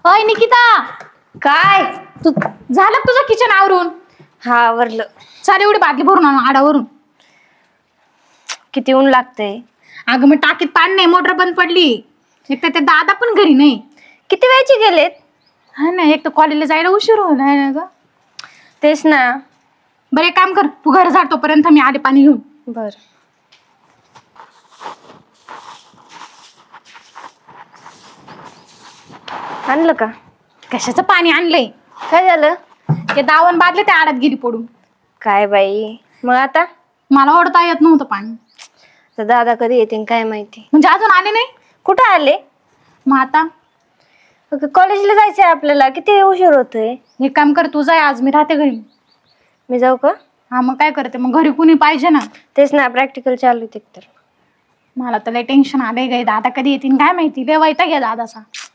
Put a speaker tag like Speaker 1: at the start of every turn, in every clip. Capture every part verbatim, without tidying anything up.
Speaker 1: अय निकिता,
Speaker 2: काय?
Speaker 1: तू झालं का तुझं किचन आवरून?
Speaker 2: हा आवरलं.
Speaker 1: चाल एवढी बादली भरून आण आडावरून.
Speaker 2: किती ऊन लागतंय.
Speaker 1: अगं मग टाकीत पाणी नाही, मोटर बंद पडली. एक तर ते दादा पण घरी नाही.
Speaker 2: किती वेळचे गेलेत?
Speaker 1: हा ना, एक तर कॉलेजला जायला उशीर होणार ना ग.
Speaker 2: तेच ना.
Speaker 1: बरं एक काम कर, तू घर झाड तोपर्यंत मी आले पाणी घेऊन.
Speaker 2: बर. आणलं का?
Speaker 1: कशाचं पाणी आणलंय?
Speaker 2: काय झालं?
Speaker 1: ते दावण बादले त्या आडात गेली पडून.
Speaker 2: काय बाई, मग आता?
Speaker 1: मला ओढता येत नव्हतं पाणी.
Speaker 2: तर दादा कधी येतील काय माहिती.
Speaker 1: म्हणजे अजून आले नाही?
Speaker 2: कुठं आले?
Speaker 1: मग आता
Speaker 2: कॉलेजला जायचंय आपल्याला, किती उशीर होतोय.
Speaker 1: एक काम कर, तू जाय, आज मी राहते घरी.
Speaker 2: मी जाऊ का?
Speaker 1: हा मग काय करते, मग घरी कुणी पाहिजे ना.
Speaker 2: तेच ना, प्रॅक्टिकल चालू आहे तर.
Speaker 1: मला तर लय टेन्शन आलंय गे, दादा कधी येतील काय माहिती. लय वैताग घ्या दादाचा.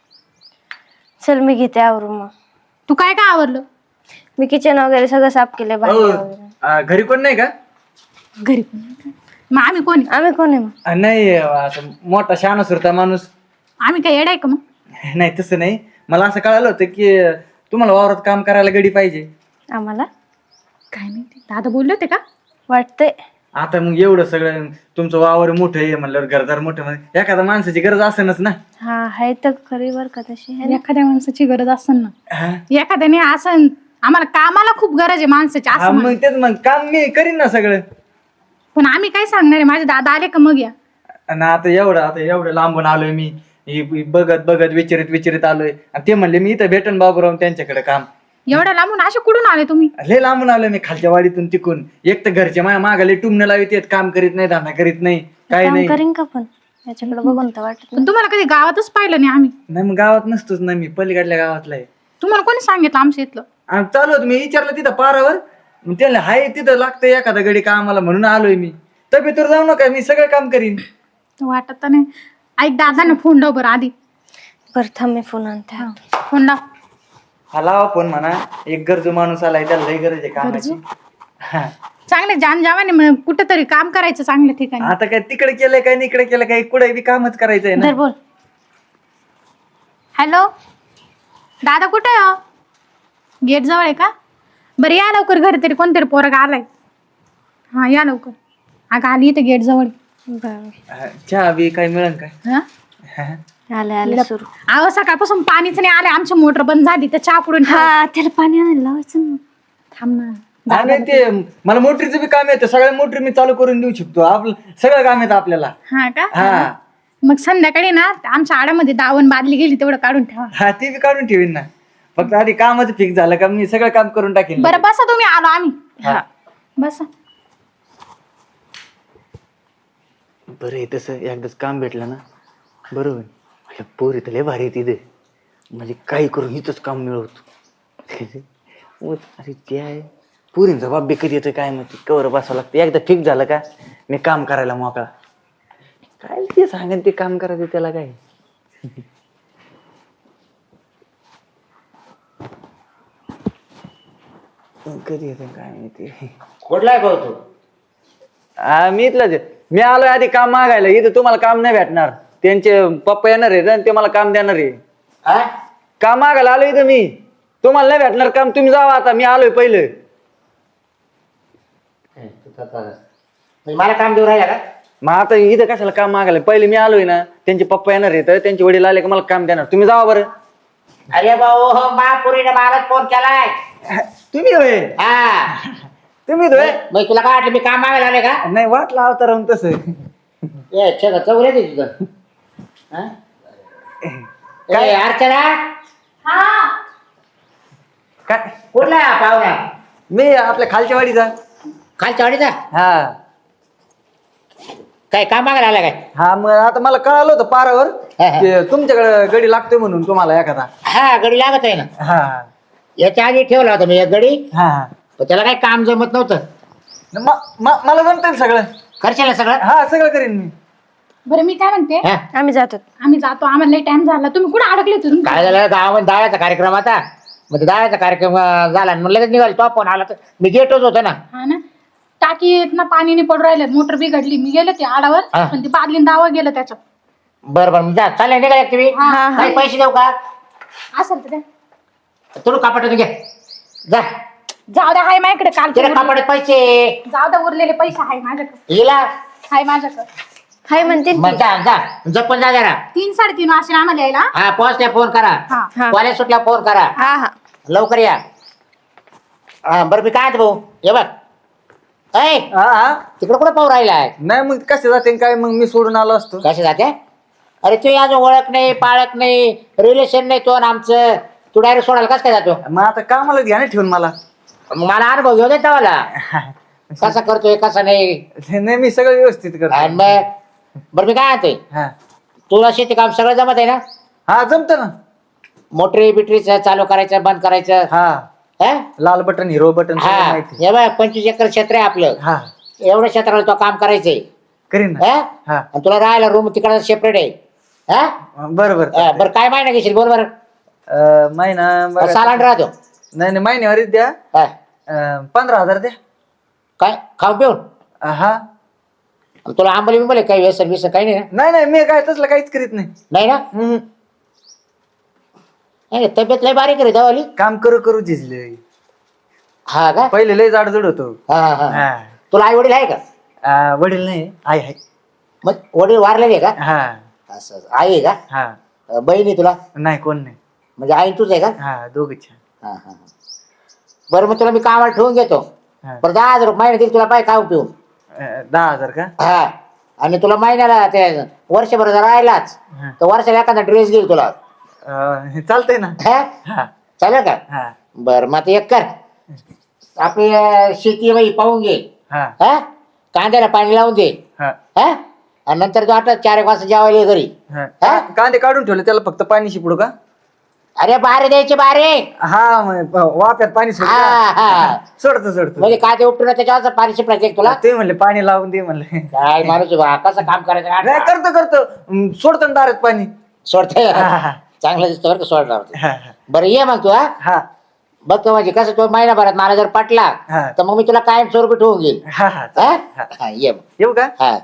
Speaker 2: चल मी घेते आवरून. मग
Speaker 1: तू काय काय आवरलं?
Speaker 2: मी किचन वगैरे सगळं साफ केलंय. भांडी वगैरे.
Speaker 3: अ, घरी कोण नाही का?
Speaker 1: घरी कोणी नाही का? मग आम्ही कोणी?
Speaker 2: आम्ही कोण आहे मग?
Speaker 3: अ, नाही असं मोठा शहाणा सुरता माणूस.
Speaker 1: आम्ही काय येड आहे का मग?
Speaker 3: नाही तसं नाही, मला असं कळालं होतं की तुम्हाला वावरात काम करायला गडी पाहिजे.
Speaker 2: आम्हाला
Speaker 1: काय माहिती, दादा बोलले होते का?
Speaker 2: वाटतंय.
Speaker 3: आता मग एवढं सगळं तुमचं वावर मोठं आहे म्हणल्यावर घरदार मोठं म्हणजे एखाद्या माणसाची गरज असेलच ना.
Speaker 2: हा आहे तर खरी बर का तशी है ना?
Speaker 1: एखाद्या माणसाची गरज असेल ना.
Speaker 3: हा
Speaker 1: एखाद्याने असं आम्हाला कामाला खूप गरज आहे माणसाची
Speaker 3: हा,
Speaker 1: असं
Speaker 3: मग
Speaker 1: म्हण.
Speaker 3: तेच मग काम मी करीन ना सगळं.
Speaker 1: पण आम्ही काय सांगणार आहे, माझे दादा आले का मग या.
Speaker 3: आणि आता एवढं आता एवढं लांबून आलोय मी, ही बघत बघत विचारित विचारित आलोय आणि ते म्हणले मी इथं भेटन बाबूराव त्यांच्याकडे काम.
Speaker 1: एवढ्या लांबून असे कुठून आले तुम्ही?
Speaker 3: लय लांबून आलोय मी, खालच्या वाडीतून तिकून. एक तर घरचे माझ्या मागाले टुमणं लावित येत, काम करीत नाही, धंदा करीत नाही, काय
Speaker 2: काम
Speaker 3: नाही.
Speaker 2: करीन का पण याच्याकडे बघून तर वाटत
Speaker 1: पण तुम्हाला कधी गावातच पाहिलं नाही आम्ही.
Speaker 3: नाही मग गावात नसतोच ना मी, पलीकडल्या गावातला आहे.
Speaker 1: तुम्हाला कोणी सांगितलं आमच्या इथलं?
Speaker 3: आणि चालू होतं, मी विचारलं तिथं पारावर, मग त्याला हाय तिथं लागतंय एखादा गडी कामाला म्हणून आलोय मी. तब्येतीवर जाऊ नका, मी सगळं काम करीन.
Speaker 1: वाटत तर नाही. ऐक दादांना फोन लाव बरं आधी.
Speaker 2: बरं थांब मी फोन आणते.
Speaker 1: फोन लाव.
Speaker 3: हा लावा फोन म्हणा, एक गरजू माणूस आलाय, त्याला लई गरज आहे कामाची. हा.
Speaker 1: चांगले जान जावाने मग कुठंतरी काम करायचं चांगल्या ठिकाणी.
Speaker 3: आता काय तिकडे केलंय काय इकडे केलं काय, कुठे बी कामच करायचंय ना.
Speaker 1: धर बोल. हॅलो दादा कुठे आहे? गेट जवळ आहे का? बरं या लवकर, घरी तरी कोणतरी पोरगा आलाय. हा या लवकर. अगं आली इथं गेट जवळ.
Speaker 2: बरं
Speaker 3: हा, चहा बी काय मिळेल काय?
Speaker 1: हा
Speaker 3: हा.
Speaker 2: आले आले सुरू.
Speaker 1: अहो सकाळपासून पाणीच नाही आले, आमची मोटर बंद झाली तर चहा पुढून.
Speaker 2: हा त्याला पाणी आणायला लावायचं ना.
Speaker 1: थांब ना.
Speaker 3: हा, नाही ते मला मोटरीचं बी काम येतं, सगळ्या मोटरी मी चालू करून देऊ शकतो. आपलं सगळं काम येतं आपल्याला.
Speaker 1: हा का?
Speaker 3: हा
Speaker 1: मग संध्याकाळी ना आमच्या आडामध्ये दावण बादली गेली तेवढं काढून ठेवा.
Speaker 3: हा ती बी काढून ठेवीन ना, फक्त आधी कामाचं फिक्स झालं का मी सगळं काम करून टाकेन.
Speaker 1: बरं बसा तुम्ही, आलो आम्ही.
Speaker 3: हा
Speaker 1: बसा.
Speaker 3: बरं आहे तसं, एकदाच काम भेटलं ना बरोबर. माझ्या पोरी तर लय भारी आहे तिथे, म्हणजे काही करून हिचंच काम मिळवतो. अरे ते आहे पोरींचा बाप बी कधी येतोय काय माहिती, कवर बसावं लागतं. एकदा फिक्स झालं का मी काम करायला मोकळा. काय ते सांगेन ते काम करायचं त्याला काय. कधी येतोय काय माहिती.
Speaker 4: कुठला आहे भाऊ तू?
Speaker 3: हा मी इथलाच आहे. मी आलोय आधी काम मागायला, इथं तुम्हाला काम नाही भेटणार. त्यांचे पप्पा येणार आहेत आणि ते मला काम देणार आहे.
Speaker 4: हा?
Speaker 3: काम मागायला आलोय इथं मी, तुम्हाला नाही भेटणार काम, तुम्ही जावा आता, मी आलोय पहिलं.
Speaker 4: म्हणजे मला काम देऊ राहिला का?
Speaker 3: मग आता इथं कशाला काम मागायला, पहिले मी आलोय ना, त्यांचे पप्पा येणार आहेत, त्यांचे वडील आले का मला काम देणार, तुम्ही जावा बरं.
Speaker 4: अरे भाऊ महापुरीने मला फोन केलाय.
Speaker 3: तुम्ही होय?
Speaker 4: हा
Speaker 3: तुम्ही होय?
Speaker 4: मग तुला काय वाटलं मी काम मागायला आले का?
Speaker 3: नाही वाटलं होतं राहून तसं.
Speaker 4: ए चल चौरे दे तुझं. हा? ए, अर्चना
Speaker 3: काय
Speaker 4: कुठला आहे हा पाहुणा?
Speaker 3: मी आपल्या खालच्या वाडीचा.
Speaker 4: खालच्या वाडीचा?
Speaker 3: हा
Speaker 4: काय काम मागायला आला काय?
Speaker 3: हा मग आता मला कळालं होतं पारावर
Speaker 4: हा, हा.
Speaker 3: ते तुमच्याकडे गडी लागतोय म्हणून तुम्हाला एखादा.
Speaker 4: हा गडी लागत आहे ना.
Speaker 3: हा
Speaker 4: याच्या आधी ठेवला होता मी एक गडी,
Speaker 3: हा
Speaker 4: पण त्याला काही काम जमत नव्हतं.
Speaker 3: म- म- मला जमतंय सगळं.
Speaker 4: करशील ना सगळं?
Speaker 3: हा सगळं करीन मी.
Speaker 1: बरं मी काय म्हणते,
Speaker 4: हा?
Speaker 2: आम्ही जातो.
Speaker 1: आम्ही जातो, आम्हाला टाइम झाला. तुम्ही कुठे अडकले होते तुम्ही?
Speaker 4: काय झालं गावामध्ये दाळ्याचा कार्यक्रम आता, मग ते दाळ्याचा कार्यक्रम अं, झाला आणि मग लगेच निघाल. तो फोन आला तर मी गेटच होतो ना.
Speaker 1: हा ना, टाकीत ना पाणी नाही पडून राहिलं, मोटर बिघडली. मी गेले ते आडावर,
Speaker 4: हा.
Speaker 1: पण ती बादलीन दावा गेलं त्याच्यात.
Speaker 4: बरं बरं जा, चालेल निघाले तुम्ही.
Speaker 1: हा, हा.
Speaker 4: काही पैसे देऊ का?
Speaker 1: असेल तर द्या.
Speaker 4: तुला कापड घे जा
Speaker 1: जाऊ द्या, हाय माझ्याकडे काल
Speaker 4: तिला कापड पैसे
Speaker 1: जाऊ द्या, उरलेले पैसे हाय माझ्याकडे,
Speaker 4: हिला
Speaker 1: हाय माझ्याकडे.
Speaker 2: हाय म्हणते
Speaker 4: मग जा जा जपून जा जरा.
Speaker 1: तीन साडेतीन वाजता आम्हाला यायला.
Speaker 4: हा पोहोचल्या फोन करा
Speaker 1: हा.
Speaker 2: हा.
Speaker 4: कॉलेज सुटल्या फोन करा
Speaker 2: हा हा
Speaker 4: लवकर या. हा बरं मी काय भाऊ हे बघ ऐ
Speaker 3: हा हा
Speaker 4: तिकडे कुठं पाहू राहिलाय
Speaker 3: नाही मग कसे जाते काय मग मी सोडून आलो असतो.
Speaker 4: कसे जाते अरे तू अजून ओळख नाही पाळख नाही रिलेशन नाही तो आणि आमचं तू डायरेक्ट सोडायला कसं काय जातो
Speaker 3: मग आता कामाला घ्या ना ठेवून मला.
Speaker 4: मग मला अनुभव घेऊ देता मला कसा करतोय कसा नाही.
Speaker 3: नाही मी सगळं व्यवस्थित
Speaker 4: आणि
Speaker 3: करतो.
Speaker 4: मग बरं मी काय म्हणतोय
Speaker 3: हा
Speaker 4: तुला शेती काम सगळं जमत आहे ना.
Speaker 3: हा जमत ना.
Speaker 4: मोटरी बिटरीच चालू करायचं बंद करायचं
Speaker 3: हा
Speaker 4: हा
Speaker 3: लाल बटन हिरो बटन
Speaker 4: हा
Speaker 3: माहिती.
Speaker 4: हे बघ पंचवीस एकर क्षेत्र आहे आपलं
Speaker 3: हा
Speaker 4: एवढ्या क्षेत्राला तो काम करायचंय
Speaker 3: करीन ना.
Speaker 4: हा
Speaker 3: हा
Speaker 4: आणि तुला राहायला रूम तिकडे सेपरेट आहे हा
Speaker 3: बरोबर.
Speaker 4: हा, बरं काय महिना घेशील बोल बरं
Speaker 3: महिना बघा.
Speaker 4: सालान राहतो
Speaker 3: नाही नाही महिन्यावरच द्या.
Speaker 4: हा.
Speaker 3: अं, पंधरा हजार द्या.
Speaker 4: काय खाऊन पिऊन
Speaker 3: अं, हा
Speaker 4: तुला आंबली बिंबले काही व्यसन व्यसन काही नाही ना
Speaker 3: नाही नाही मी काय तसलं काहीच करीत नाही.
Speaker 4: नाही ना
Speaker 3: हम्म.
Speaker 4: नाही, तब्येत लय बारीक आहे दवाली
Speaker 3: काम करू करू झिजले.
Speaker 4: हा का
Speaker 3: पहिले लय जाडजूड होतो.
Speaker 4: हा हा
Speaker 3: हा.
Speaker 4: तुला आई वडील आहे का
Speaker 3: अं, वडील नाही आई आहे.
Speaker 4: मग वडील वारलेले आहे
Speaker 3: हा
Speaker 4: का असं असं. आई आहे का
Speaker 3: हा
Speaker 4: अं, बहीण तुला
Speaker 3: नाही कोण नाही.
Speaker 4: म्हणजे आई तुझ आहे का
Speaker 3: हा दोघच.
Speaker 4: हा हा हा. बरं मग तुला मी कामाला ठेवून घेतो
Speaker 3: हा.
Speaker 4: बरं दहा हजार रुपये महिना देईल तुला पाय खाऊ पिऊन
Speaker 3: अं, दहा हजार का.
Speaker 4: हा आणि तुला महिन्याला ते वर्षभर जर राहिलाच
Speaker 3: हा.
Speaker 4: तर वर्षाला एखादा ड्रेस घेईल तुला
Speaker 3: अं, चालतंय ना.
Speaker 4: हा
Speaker 3: हा
Speaker 4: चालेल का
Speaker 3: हा
Speaker 4: बरं मग आता एक कर आपली अं, शेती बाई पाहून घे
Speaker 3: हा
Speaker 4: हा कांद्याला पाणी लावून दे
Speaker 3: हा
Speaker 4: हा आणि नंतर तू आता चार एक वाजता जेवायला ये घरी
Speaker 3: हा.
Speaker 4: हा?
Speaker 3: कांदे काढून ठेवले त्याला फक्त पाणी शिपडू का.
Speaker 4: अरे बारे द्यायचे बारे
Speaker 3: हा मग वाफ्यात पाणी सोडू
Speaker 4: हा,
Speaker 3: का?
Speaker 4: हा.
Speaker 3: सोडतो सोडतो.
Speaker 4: म्हणजे कांदे उपटून त्याच्यावर पाणी शिपडायचं एक तुला
Speaker 3: ते म्हणले पाणी लावून दे म्हणले.
Speaker 4: काय माणूस आहे बा, कसं काम करायचं
Speaker 3: नाही
Speaker 4: काय?
Speaker 3: करतो करतो अं, सोडतो ना दारात पाणी.
Speaker 4: सोडतोय
Speaker 3: हा, हा.
Speaker 4: चांगलं दिसतं बरं का सोडणार ते.
Speaker 3: हा हा.
Speaker 4: बरं ये मग तू हा
Speaker 3: हा
Speaker 4: बघतो म्हणजे कसं तो महिनाभरात मला जर पटला
Speaker 3: हा.
Speaker 4: तर मग मी तुला कायम स्वरूपी ठेवून घेईल
Speaker 3: हा हा
Speaker 4: हा?
Speaker 3: चालेल. हा.
Speaker 4: हा, ये मग.
Speaker 3: येऊ का.
Speaker 4: हा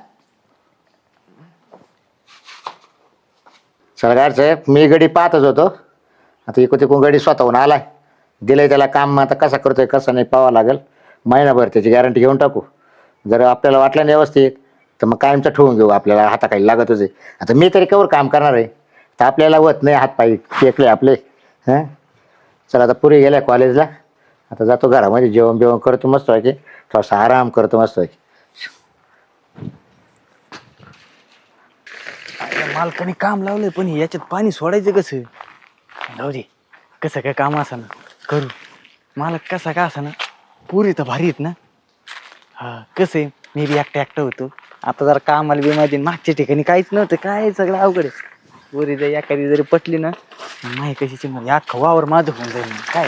Speaker 4: सरकार साहेब मी गडी पाहतच होतो आता इकडे तिकडून गडी स्वतःहून आलाय दिलंय त्याला काम आता कसा करतोय कसं नाही पाहावं लागेल महिनाभर त्याची गॅरंटी घेऊन टाकू जर आपल्याला वाटलं नाही व्यवस्थित तर मग कायमचं ठेवून घेऊ आपल्याला हाताखाली लागतच आहे आता मी तरी कवर काम करणार आहे तर आपल्याला होत नाही हातपाय टेकले आपले हां चला आता पुरी गेल्या कॉलेजला आता जातो घरामध्ये जेवण बिवण करतो मस्त व्हायचे थोडासा आराम करतो मस्त व्हायचे
Speaker 3: अरे मालकाने काम लावलंय पण याच्यात पाणी सोडायचं कसं. जाऊ दे कसं काय काम असं ना करू. मालक कसा का असं ना पुरी तर भारी आहेत ना. हा कसं आहे मी बी एकटा एकटा होतो आता जरा कामाला बी माझी मागच्या ठिकाणी काहीच नव्हतं काय सगळं अवघड आहे. पुरी जर एखादी जरी पटली ना माही कशाची म्हणजे अख्खं वावर माझं होऊन जाईल काय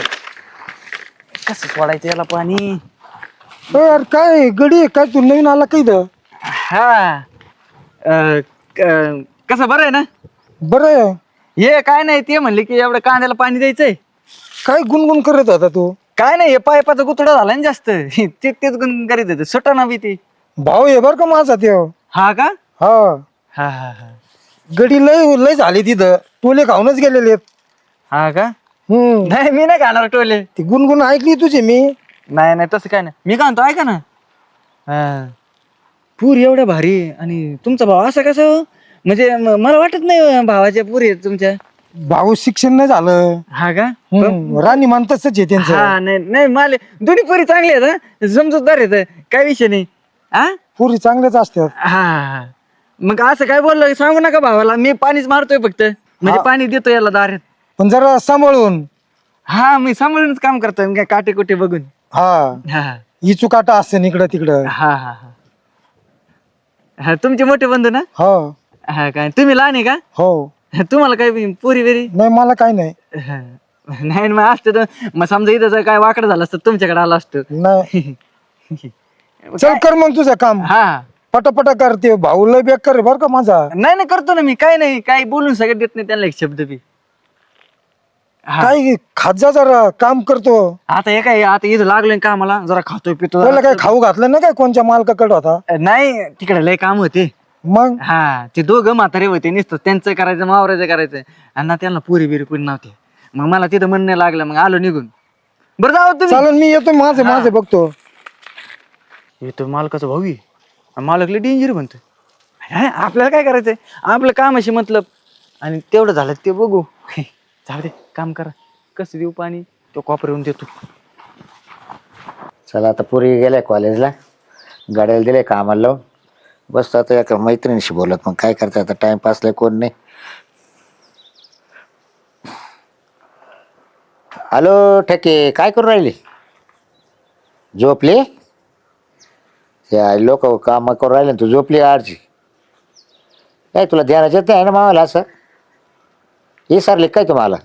Speaker 3: कसं सोडायचं याला पाणी.
Speaker 5: यार काय गडी आहे, काय तू नवीन आला काही द
Speaker 3: हा अं, क- कसं बरं आहे ना.
Speaker 5: बरं आहे.
Speaker 3: हे काय नाही ते म्हणले की एवढं कांद्याला पाणी द्यायचंय.
Speaker 5: काय गुणगुण करत होता तू.
Speaker 3: काय नाही हे पायपाचा गुतडा झाला ना जास्त ते तेच गुण करीत होते सुटा ना बी ते.
Speaker 5: भाऊ आहे बर का माझा ते.
Speaker 3: हा का
Speaker 5: हा
Speaker 3: हा हा हा
Speaker 5: गडी लय लय झाली तिथं टोले खाऊनच गेलेले आहेत.
Speaker 3: हा का
Speaker 5: हम्म
Speaker 3: नाही मी नाही खाणार टोले.
Speaker 5: ती गुणगुण ऐकली तुझी मी.
Speaker 3: नाही नाही तसं काय नाही मी काय म्हणतो ऐका ना. हा पूर एवढ्या भारी आणि तुमचा भाव असा कसं हो? म्हणजे म- मला वाटत नाही भावाच्या पुरी आहेत तुमच्या.
Speaker 5: भाऊ शिक्षण नाही झालं.
Speaker 3: हा का
Speaker 5: हम्म, राणी मान तसंच आहे त्यांचं.
Speaker 3: हा नाही नाही मला दोन्ही पुरी चांगली आहेत हा समजूतदार आहेत काय विषय नाही. हा
Speaker 5: पुरी चांगल्याच असतात.
Speaker 3: हा हा. मग असं काय बोललो सांगू नका भावाला मी पाणीच मारतोय फक्त म्हणजे
Speaker 5: हा.
Speaker 3: पाणी देतो याला दारात.
Speaker 5: पण जरा सांभाळून.
Speaker 3: हा मी सांभाळूनच काम करतोय काय काटे कुटे बघून.
Speaker 5: हा
Speaker 3: हा
Speaker 5: इचू काटा असते इकडं तिकडं.
Speaker 3: हा हा हा हा तुमचे मोठे बंधू ना.
Speaker 5: हो
Speaker 3: हा काय तुम्ही लहान आहे का
Speaker 5: हो.
Speaker 3: तुम्हाला काय पुरी बिरी.
Speaker 5: नाही मला काय नाही.
Speaker 3: हा. नाही मग असते तर मग समजा इथं जर काय वाकडं झालं असतं तुमच्याकडे आलं असतं.
Speaker 5: नाही चल कर मग तुझं काम.
Speaker 3: हा
Speaker 5: पटापटा करते भाऊ लय बेकार बर का माझा.
Speaker 3: नाही नाही करतो ना मी काय नाही काय बोलून सगळं देत नाही त्यांना एक शब्द बी. हा.
Speaker 5: काय खाजा जरा काम करतो.
Speaker 3: आता हे काय आता इथं लागलोय कामाला जरा खातोय पितो
Speaker 5: त्याला
Speaker 3: जरा.
Speaker 5: काय खाऊ घातलं ना काय कोणत्या मालकाकडे होता.
Speaker 3: नाही तिकडे लय काम होते.
Speaker 5: मग
Speaker 3: हा ते दोघं म्हातारे होते नुसतं त्यांचं करायचं मावरायचं करायचं आणि ना त्यांना पुरी बिरी पुरी नव्हते मग मला तिथं मन नाही लागलं, मग आलो निघून. बरं जाऊ तुम्ही.
Speaker 5: चालेल मी येतो माझे माझे बघतो.
Speaker 3: येतो मालकाचा भाऊ आहे. आणि मालक लय डेंजर म्हणतो. अरे, आपल्याला काय करायचंय, आपलं कामाशी मतलब, आणि तेवढं झालं ते बघू. जाऊ दे, काम करा. कसं देऊ पाणी, तो कॉपर येऊन देतो.
Speaker 4: चला आता पुरी गेल्या कॉलेजला, गाड्याला दिले कामाला लावून, बस आता एका मैत्रिणीशी बोलत. मग काय करता आता, टाइमपासला कोण नाही. हॅलो ठके, काय करू राहिली? झोपली? लोक काम करू राहिले तू झोपली आरची? काय तुला ध्यानात येत आहे ना मावाला असं? हे सरले काय तुम्हाला?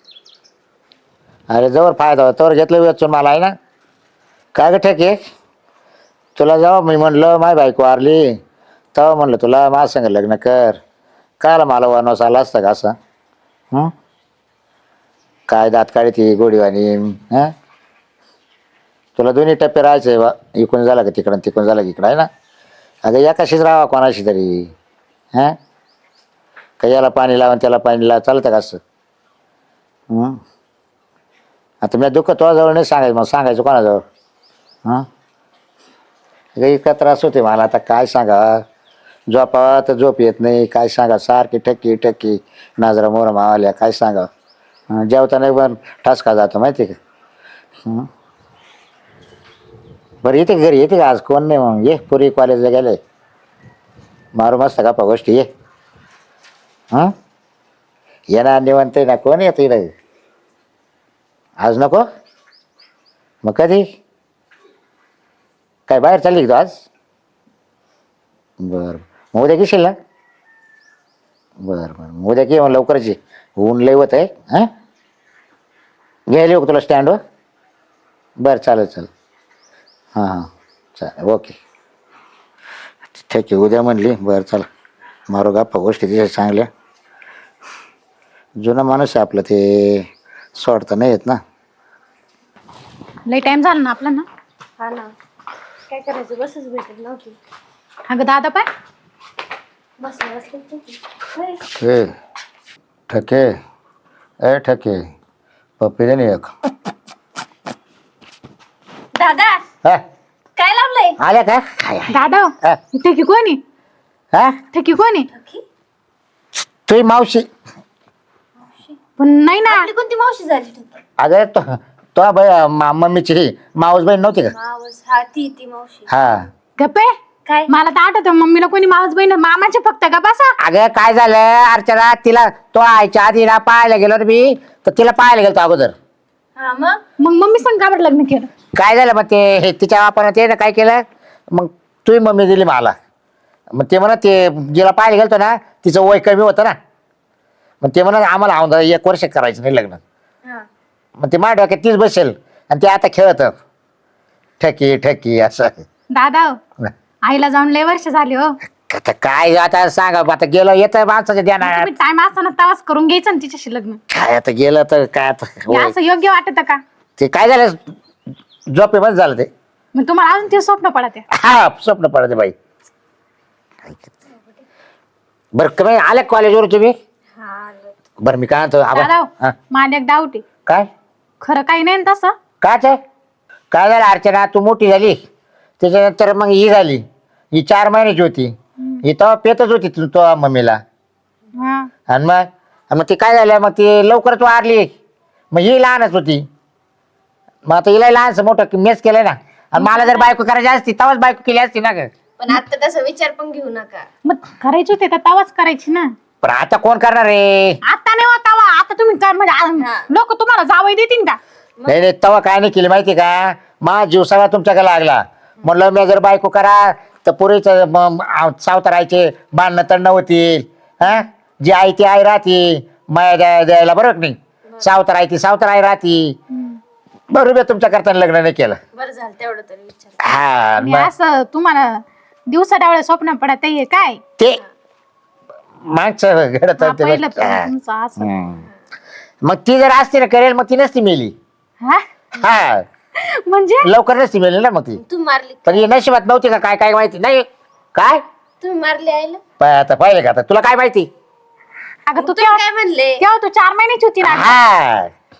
Speaker 4: अरे जवळ फायदा होता तवर घेतलं वेचून मला आहे ना. काय ग ठेके, तुला जेव्हा मी म्हणलं माय बायको वारली तेव्हा म्हणलं तुला माझ्या संग लग्न कर. कायला मला वनवास आला असता का असं? हं? काय दात काढती गोडीवाणी. हां, तुला दोन्ही टप्पे राहायचे बा, इकडून झाला का तिकडं, तिकडून झाला की इकडं आहे ना. अगं एकाशीच राहावा कोणाशी तरी. हां, का याला पाणी लावा त्याला पाणी लावा, चालतं का असं? हं? आता मी दुःख तुझ्याजवळ नाही सांगायचं, मग सांगायचं कोणाजवळ? हां, अगं इतका त्रास होते मला आता, काय सांगा. झोपावा तर झोप येत नाही, काय सांगा. सारखी ठक्की ठक्की नाजरा मोर मावाल्या, काय सांगा. जेवताना पण ठसका जातो माहिती आहे का? हं? बरं येते घरी येते का आज? कोण नाही मग ये, पुरी कॉलेजला गेले. मारू मस्त गप्पा गोष्टी ये. हां, येणार निवंत ना, कोण येतं इकडे आज? नको मग कधी? काय बाहेर चालली का तू आज? बरं, मग उद्या घेशील ना? बरं बरं, मग उद्या की मग लवकरच ये, ऊन लय होत आहे. हां, घ्यायला येऊ का तुला स्टँडवर? बरं चालेल चालेल. हां हां चालेल, ओके ठीक आहे. उद्या म्हणली, बरं चला मारू गप्पा गोष्टी तिच्या चांगल्या. जुना माणूस आहे आपलं, ते सोडता नाही येत ना.
Speaker 1: लई टाइम झाला ना आपला ना.
Speaker 2: हा ना, काय करायचं, बसच भेटत नव्हती.
Speaker 1: अगं दादा पाय,
Speaker 2: बसले बसले
Speaker 4: ए ठके, ए ठके, पप्पी दे ना एक.
Speaker 2: दादा
Speaker 4: हा,
Speaker 2: काय लावलंय?
Speaker 4: आल्या का काय?
Speaker 1: दादा
Speaker 4: हा?
Speaker 1: ठेकी कोणी?
Speaker 4: हा?
Speaker 1: ठेकी कोणी?
Speaker 4: तुझी मावशी.
Speaker 1: पण नाही ना.
Speaker 2: आपली कोणती मावशी झाली ठेकी?
Speaker 4: अगं तो तो बाई मम्मीची मावस बहीण नव्हती का?
Speaker 2: मावस, हा ती ती मावशी.
Speaker 4: हा.
Speaker 1: गप्पे,
Speaker 2: काय?
Speaker 1: मला तर आठवतं मम्मीला कोणी मावस बहीण, मामाचे फक्त का बसा.
Speaker 4: अगं काय झालं अर्चना, तिला तो आईच्या आधी ना पाहायला गेलो ना मी, तर तिला पाहायला गेलो अगोदर.
Speaker 2: हा मग
Speaker 1: मग मम्मी संग का बरं लग्न केलं?
Speaker 4: काय झालं मग ते हे तिच्या बापानं ते ना काय केलं, मग तुझी मम्मी दिली मला. मग ते म्हणत ते जिला पाहायला गेलतो ना तिचं वय कमी होतं ना, मग ते म्हणत आम्हाला आमदा एक वर्ष करायचं नाही लग्न.
Speaker 2: हा,
Speaker 4: मग ते माझ्या डोक्यात तीच बसेल आणि ते आता खेळत ठकी ठकी असं.
Speaker 1: दादा आईला जाऊन लय वर्ष झाले हो.
Speaker 4: आता काय आता सांगा, आता गेलं येतं माणसाच्या ध्यानात.
Speaker 1: तुम्ही टाइम असताना तवाच करून घ्यायचं ना तिच्याशी लग्न.
Speaker 4: काय आता गेलं तर काय आता
Speaker 1: हे
Speaker 4: होय.
Speaker 1: असं योग्य वाटत का?
Speaker 4: ते काय झालं झोपेमध्ये झालं ते.
Speaker 1: मग तुम्हाला अजून ते स्वप्न पडते.
Speaker 4: हा स्वप्न पडते बाई. बरं कमी आल्या कॉलेजवर तुम्ही?
Speaker 2: हा
Speaker 4: बरं मी काय म्हणतो आबा-
Speaker 1: दादा
Speaker 4: हा,
Speaker 1: मला एक डाऊट आहे.
Speaker 4: काय
Speaker 1: खरं काही नाही ना तसं?
Speaker 4: काच आहे? काय झालं अर्चना, तू मोठी झाली त्याच्यानंतर मग ही झाली, ही चार महिन्याची होती, ही तेव्हा पेतच होती तू तो मम्मीला.
Speaker 1: हा.
Speaker 4: आणि मग मग ती काय झालं, मग ती लवकरच वारली, मग ही लहानच होती. मग आता हिला लहानच मोठं मेस केलंय ना. आणि मला जर बायको करायची असती तेव्हाच बायको केली असती ना ग.
Speaker 2: पण आता तसा विचार पण घेऊ नका.
Speaker 1: मग करायची होती तर तवाच करायची ना.
Speaker 4: पण आता कोण करणार रे?
Speaker 1: आता नाही होता वा. आता तुम्ही काय म्हणजे लोक तुम्हाला जावई देतील का?
Speaker 4: नाही नाही तेव्हा काय नाही केली माहिती का, मा जीव सगळा तुमच्याकडे लागला. म्हणलं मी जर बायको करा तर पुरीच सावतारायचे भांडणं तंड होतील. हा, जी आई ती आई राहती माया द्या द्यायला, बरोबर नाही? सावतार आई ती सावतार आई राहती. बरोबर तुमच्या करताना लग्न नाही केलं.
Speaker 2: बरं झालं तेवढं तरी विचार.
Speaker 4: हा
Speaker 1: आणि
Speaker 4: मग
Speaker 1: असं तुम्हाला दिवसा डावळे स्वप्न पडत आहे काय?
Speaker 4: ते मागचं घडत
Speaker 1: हा,
Speaker 4: होतं
Speaker 1: पहिलं
Speaker 4: ते. हा.
Speaker 1: तुमचं असं.
Speaker 4: हम्म. मग ती जर असती ना करेल, मग ती नसती मेली.
Speaker 1: हा?
Speaker 4: हा,
Speaker 1: म्हणजे
Speaker 4: लवकर नसती मेली ना मग ती.
Speaker 2: तुम्ही मारली?
Speaker 4: पण ही नशिबात नव्हती का काय? काय माहिती नाही काय.
Speaker 2: तुम्ही मारली आईला?
Speaker 4: पाय आता पाहिले का आता तुला काय माहिती?
Speaker 1: अगं तू
Speaker 2: तुम्ही
Speaker 1: तेव्हा
Speaker 2: काय म्हणले?
Speaker 1: तेव्हा तू चार महिन्याची होती ना.
Speaker 4: हा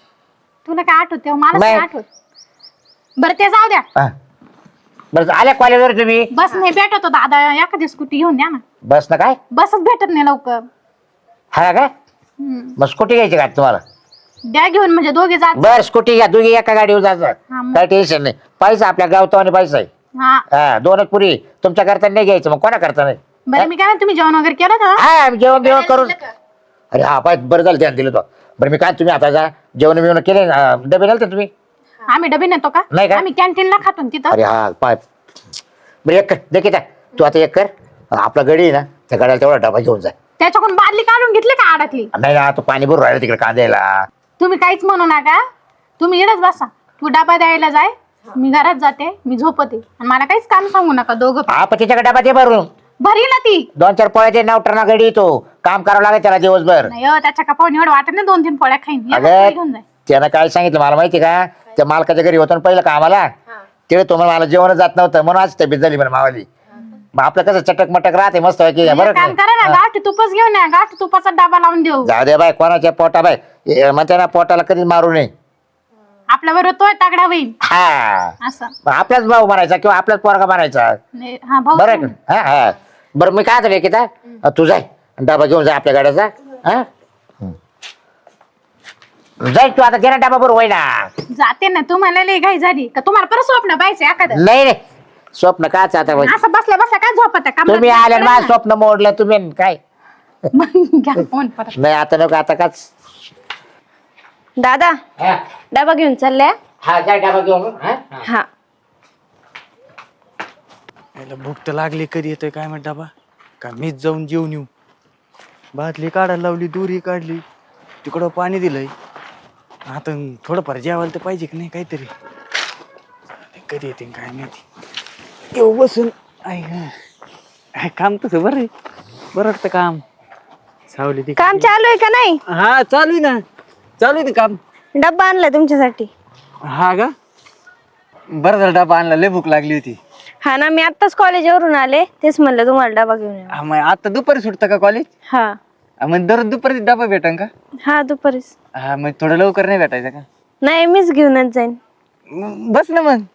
Speaker 1: तुला काय आठवते मला
Speaker 4: नाही.
Speaker 1: काय आठवत. बरं ते जाऊ द्या.
Speaker 4: हा. बरं आल्या कॉलेजवर तुम्ही
Speaker 1: बस नाही भेटत हो दादा, एखादी स्कूटी घेऊन द्या ना.
Speaker 4: बस ना काय
Speaker 1: बसच भेटत नाही लवकर.
Speaker 4: हा का
Speaker 1: हम्म.
Speaker 4: मग स्कूटी घ्यायची का तुम्हाला
Speaker 1: द्या घेऊन म्हणजे दोघे जात.
Speaker 4: बर स्कूटी घ्या दोघी एका गाडीवर जायचं
Speaker 1: हा मग.
Speaker 4: काय टेन्शन नाही पैसा आपल्या गावतो आणि पैसा आहे
Speaker 1: हा
Speaker 4: हा दोनच पुरी तुमच्या करता नाही घ्यायचं मग कोणा करता नाही
Speaker 1: बरं मी काय म्हणते, तुम्ही जेवण वगैरे केलं का?
Speaker 4: हा जेवण बिवण करून अरे हा पाय बरं झालं ध्यान दिलं तो बरं मी काय तुम्ही आता जा जेवण बिवण केले अं, डबे नेलते तुम्ही
Speaker 1: आम्ही डबे नेतो का?
Speaker 4: नाही का?
Speaker 1: आम्ही कॅन्टीनला खातो ना तिथं.
Speaker 4: अरे हा पाय बरं एक कर देखील त्या तू आता एक कर आपला गडी आहे ना त्या गाड्याला तेवढा डबा घेऊन जाय
Speaker 1: त्याच्याकडून बादली काढून घेतली का आडातली?
Speaker 4: नाही ना तू पाणी भरून राहिलं तिकडे कांद्याला
Speaker 1: तुम्ही काहीच म्हणू नका, तुम्ही इडच बसा. तू डबा द्यायला जाय, मी घरात जाते, मी झोपते आणि मला काहीच काम सांगू नका दोघं पण.
Speaker 4: हा पण तिच्याकडे डबा दे भरून
Speaker 1: भरी ना ती.
Speaker 4: दोन चार पोळ्याचे नाव टर्ना गडी तो काम करावं लागेल त्याला दिवसभर
Speaker 1: नाही हो, त्याच्या कपावून एवढं वाटत नाही दोन तीन पोळ्या खाईन. एकच पोळी
Speaker 4: अगं
Speaker 1: घेऊन जाय.
Speaker 4: त्यानं काय सांगितलं मला माहिती का त्या मालकाच्या घरी होतं ना पहिलं कामाला तिकडे तो म्हणे मला जेवण जात नव्हतं म्हणून आज तब्येत झाली म्हणे मावाली मग आपलं कसं चटक मटक राहते मस्त आहे की
Speaker 1: एक
Speaker 4: बरं
Speaker 1: काम करा ना, गाठी तुपच घेऊन या, गाठी तुपाचा डबा लावून देऊ.
Speaker 4: जाऊ दे बाय कोणाच्या पोटा बाय ए, म्हणते ना पोटाला कधीच मारू नये
Speaker 1: आपल्या बरोबर तोय तगडा होईल
Speaker 4: हा
Speaker 1: असं.
Speaker 4: मग आपलाच भाऊ मारायचा किंवा आपलाच पोरगा मारायचा
Speaker 1: नाही, हा भाऊ.
Speaker 4: बरं आहे का? हा हा बरं मी काय झालं की तू जाय डबा घेऊन जाय आपल्या गाड्याचा हा जाय तू आता गेला डबा बरोबर होय ना
Speaker 1: जाते ना. तुम्हाला लई घाई झाली का? तुम्हाला परत स्वप्न पाहिजे एखादं?
Speaker 4: नाही रे स्वप्न काच आता बाई.
Speaker 1: असं बसल्या बसल्या काय झोपत आहे?
Speaker 4: तुम्ही आले ना माझं स्वप्न मोडलं तुम्ही न काय
Speaker 1: घ्या फोन परत.
Speaker 4: नाही आता नको आता काच
Speaker 2: दादा
Speaker 4: हा
Speaker 2: डबा घेऊन चालल्या.
Speaker 4: हा जाय डबा घेऊन हा
Speaker 2: हा
Speaker 3: याला भूक तर लागली कधी येतोय काय म्हणता बा का मीच जाऊन जेवून येऊ बाटली काढायला लावली दुरी काढली तिकडं पाणी दिलंय आता थोडंफार जेवायला तर पाहिजे की नाही काहीतरी कधी येते काय माहिती येऊ बसून आई गं. काय काम तसं बरं आहे बरं वाटतं काम सावली ती
Speaker 2: काम चालू आहे का नाही?
Speaker 3: हा चालू आहे ना चालू आहे ते काम
Speaker 2: डब्बा आणलाय तुमच्यासाठी.
Speaker 3: हा का बरं झालं डबा आणला लय भूक लागली होती
Speaker 2: हा ना मी आत्ताच कॉलेजवरून आले तेच म्हणलं तुम्हाला डबा घेऊन या.
Speaker 3: हा मग आता दुपारी सुटतं का कॉलेज
Speaker 2: हा
Speaker 3: मग दररोज दुपारी डबा भेटन का
Speaker 2: हा दुपारीच.
Speaker 3: हा मग थोडं लवकर नाही भेटायचं का
Speaker 2: नाही मीच घेऊनच जाईन.
Speaker 3: म- बस ना मग